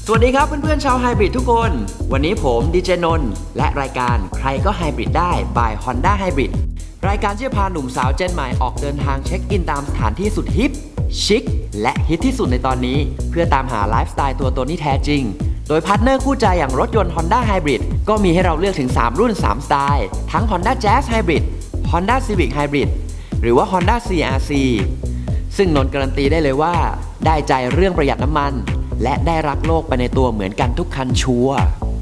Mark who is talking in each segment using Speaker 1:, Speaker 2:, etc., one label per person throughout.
Speaker 1: สวัสดีครับเพื่อนๆชาวไฮบริดทุกคนวันนี้ผมดีเจนนท์และรายการใครก็ไฮบริดได้ by Honda Hybrid รายการที่จะพาหนุ่มสาวเจนใหม่ออกเดินทางเช็คอินตามสถานที่สุดฮิปชิคและฮิตที่สุดในตอนนี้เพื่อตามหาไลฟ์สไตล์ตัวตนที่แท้จริงโดยพาร์ทเนอร์คู่ใจอย่างรถยนต์ Honda Hybrid ก็มีให้เราเลือกถึง3รุ่น3สไตล์ทั้ง Honda Jazz Hybrid Honda Civic Hybrid หรือว่า Honda CR-C ซึ่งนนท์การันตีได้เลยว่าได้ใจเรื่องประหยัดน้ำมันและได้รักโลกไปในตัวเหมือนกันทุกคันชัวร์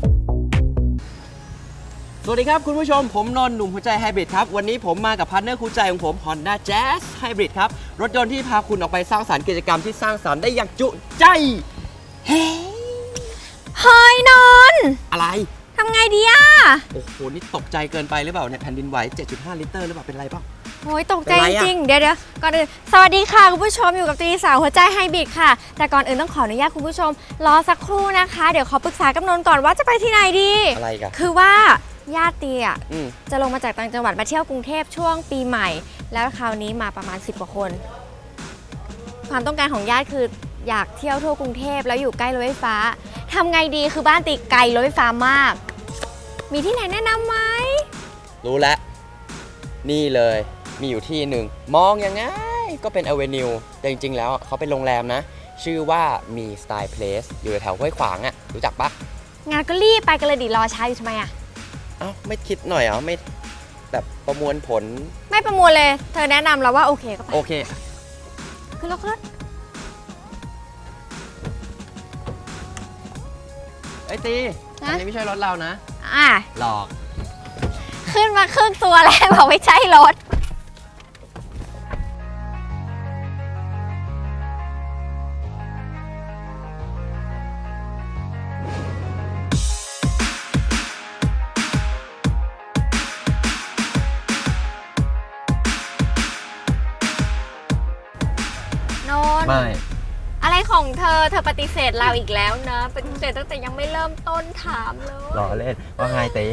Speaker 1: สวัสดีครับคุณผู้ชมผมนนท์หนุ่มหัวใจไฮบริดครับวันนี้ผมมากับพาร์ทเนอร์คู่ใจของผม Honda Jazz Hybrid ครับรถยนต์ที่พาคุณออกไปสร้างสรรค์กิจกรรมที่สร้างสรรค์ได้อย่างจุใจเฮ้ย
Speaker 2: นนท์
Speaker 1: อะไร
Speaker 2: ทำไงดีอ่ะ
Speaker 1: โอ้โหนี่ตกใจเกินไปหรือเปล่าเนี่ยแผ่นดินไหว 7.5 ลิตรหรือเปล่าเป็นไรเปล่า
Speaker 2: โอ้ยตกใจจริงเดี๋ยวก่อนอื่นสวัสดีค่ะคุณผู้ชมอยู่กับตีสาวหัวใจไฮบริดค่ะแต่ก่อนอื่นต้องขออนุญาตคุณผู้ชมรอสักครู่นะคะเดี๋ยวขอปรึกษากับนนท์ก่อนว่าจะไปที่ไหนดี
Speaker 1: อะไรกัน
Speaker 2: คือว่าญาติตีอ่ะจะลงมาจากต่างจังหวัดมาเที่ยวกรุงเทพช่วงปีใหม่แล้วคราวนี้มาประมาณ10 กว่าคนความต้องการของญาติคืออยากเที่ยวทั่วกรุงเทพแล้วอยู่ใกล้รถไฟฟ้าทำไงดีคือบ้านตีไกลรถไฟฟ้ามากมีที่ไหนแนะนำไหม
Speaker 1: รู้แล้วนี่เลยมีอยู่ที่หนึ่งมองยังไงก็เป็นอเวนิวแต่จริงๆแล้วเขาเป็นโรงแรมนะชื่อว่ามีสไตล์เพลสอยู่แถวห้วยขวางอ่ะรู้จักปะ
Speaker 2: งานก็รีบไปกันเลยดิรอช้าอยู่ทำไมอ่ะ
Speaker 1: อ้าวไม่คิดหน่อยเหรอไม่แบบประมวลผล
Speaker 2: ไม่ประมวลเลยเธอแนะนำเราว่าโอเคก็ไป
Speaker 1: โอเค
Speaker 2: ขึ้นรถ
Speaker 1: ไอ้ตีอันนี้ไม่ใช่รถเรานะหลอก
Speaker 2: ขึ้นมาครึ่งตัวแล้วบอกไม่ใช่รถ
Speaker 1: ไม่
Speaker 2: อะไรของเธอปฏิเสธเราอีกแล้วนะปฏิเสธตั้งแต่ยังไม่เริ่มต้นถามเลย
Speaker 1: รอเล่นว่าไงเต้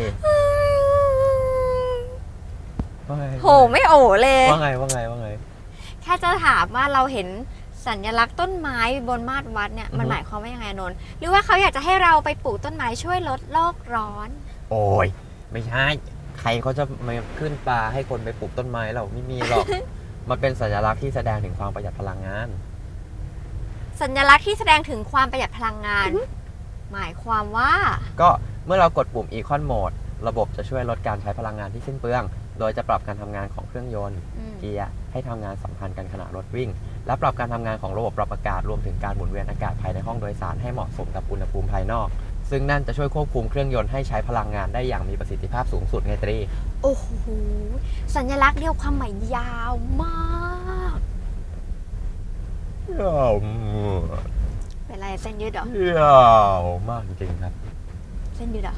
Speaker 2: โหไม่โอเลย
Speaker 1: ว่าไง
Speaker 2: แค่จะถามว่าเราเห็นสัญลักษณ์ต้นไม้บนมาดวัดเนี่ยมันหมายความว่ายังไงนนท์หรือว่าเขาอยากจะให้เราไปปลูกต้นไม้ช่วยลดโลกร้อน
Speaker 1: โอ้ยไม่ใช่ใครเขาจะมาขึ้นปลาให้คนไปปลูกต้นไม้เราไม่มีหรอก มันเป็นสัญลักษณ์ที่แสดงถึงความประหยัดพลังงาน
Speaker 2: สัญลักษณ์ที่แสดงถึงความประหยัดพลังงานหมายความว่า
Speaker 1: ก็เมื่อเรากดปุ่ม Econ Mode ระบบจะช่วยลดการใช้พลังงานที่สิ้นเปลืองโดยจะปรับการทำงานของเครื่องยนต์เกียร์ให้ทำงานสัมพันธ์กันขณะรถวิ่งและปรับการทำงานของระบบปรับอากาศรวมถึงการหมุนเวียนอากาศภายในห้องโดยสารให้เหมาะสมกับอุณหภูมิภายนอกซึ่งนั่นจะช่วยควบคุมเครื่องยนต์ให้ใช้พลังงานได้อย่างมีประสิทธิภาพสูงสุดไงตรี
Speaker 2: โอ้โหสัญลักษณ์เดียวความหมายยาวมาก
Speaker 1: ยาว
Speaker 2: เป็นไรเส้นยืดเหร
Speaker 1: อยาวมากจริงๆครับ
Speaker 2: เส้นยืดเหรอ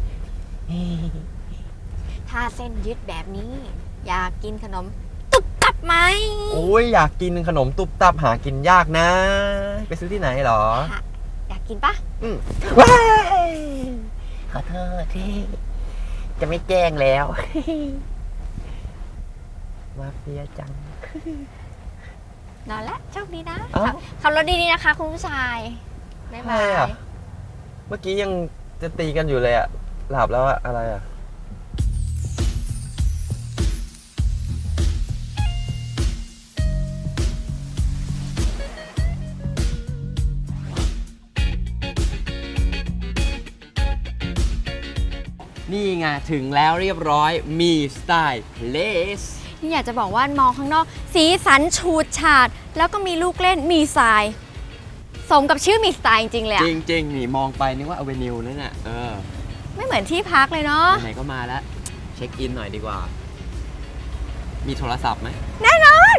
Speaker 2: ถ้าเส้นยืดแบบนี้อยากกินขนมตุบตับไหม
Speaker 1: โอ้ยอยากกินขนมตุบตับหากินยากนะไปซื้อที่ไหนหรอ
Speaker 2: อยากกินปะ
Speaker 1: ว้ายขอโทษที่จะไม่แกล้งแล้วมาเฟียจัง
Speaker 2: นอนแล้วโชคดีนะขับรถดีๆนะคะคุณผู้ชายบ๊ายบาย
Speaker 1: เมื่อกี้ยังจะตีกันอยู่เลยอะหลับแล้วอะอะไรอะนี่ไงถึงแล้วเรียบร้อยมีสไตล์เลส
Speaker 2: นี่อยากจะบอกว่ามองข้างนอกสีสันฉูดฉาดแล้วก็มีลูกเล่นมีทรายสมกับชื่อมีสไตล์จริงๆเลย
Speaker 1: จริงๆนี่มองไปนึกว่าอเวนิวนั่นน่ะ
Speaker 2: ไม่เหมือนที่พักเลยเนาะ
Speaker 1: ไหนก็มาแล้วเช็คอินหน่อยดีกว่ามีโทรศัพท์ไหม
Speaker 2: แน่นอน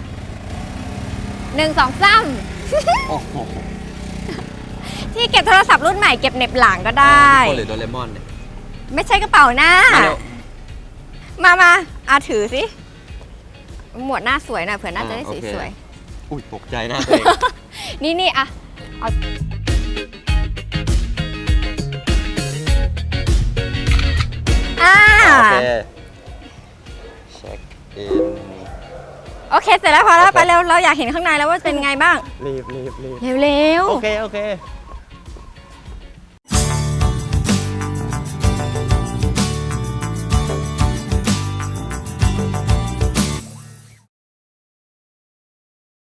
Speaker 2: 1 2 3
Speaker 1: โอ้โห
Speaker 2: ที่เก็บโทรศัพท์รุ่นใหม่เก็บเน็บหลังก็ได้
Speaker 1: หรือโดเรมอนเนี่ย
Speaker 2: ไม่ใช่กระเป๋าหน้ามาถือสิหมวดหน้าสวยหน่อยเผื่อหน้าจะได้สวย
Speaker 1: ๆอุ้ยตกใจหน้าตัวเอง
Speaker 2: นี่อะเอาโอเค
Speaker 1: เช็คอิน
Speaker 2: โอเคเสร็จแล้วพอแล้วไปเร็วเราอยากเห็นข้างในแล้วว่าเป็นไงบ้าง
Speaker 1: รีบ
Speaker 2: เร็ว
Speaker 1: โอเค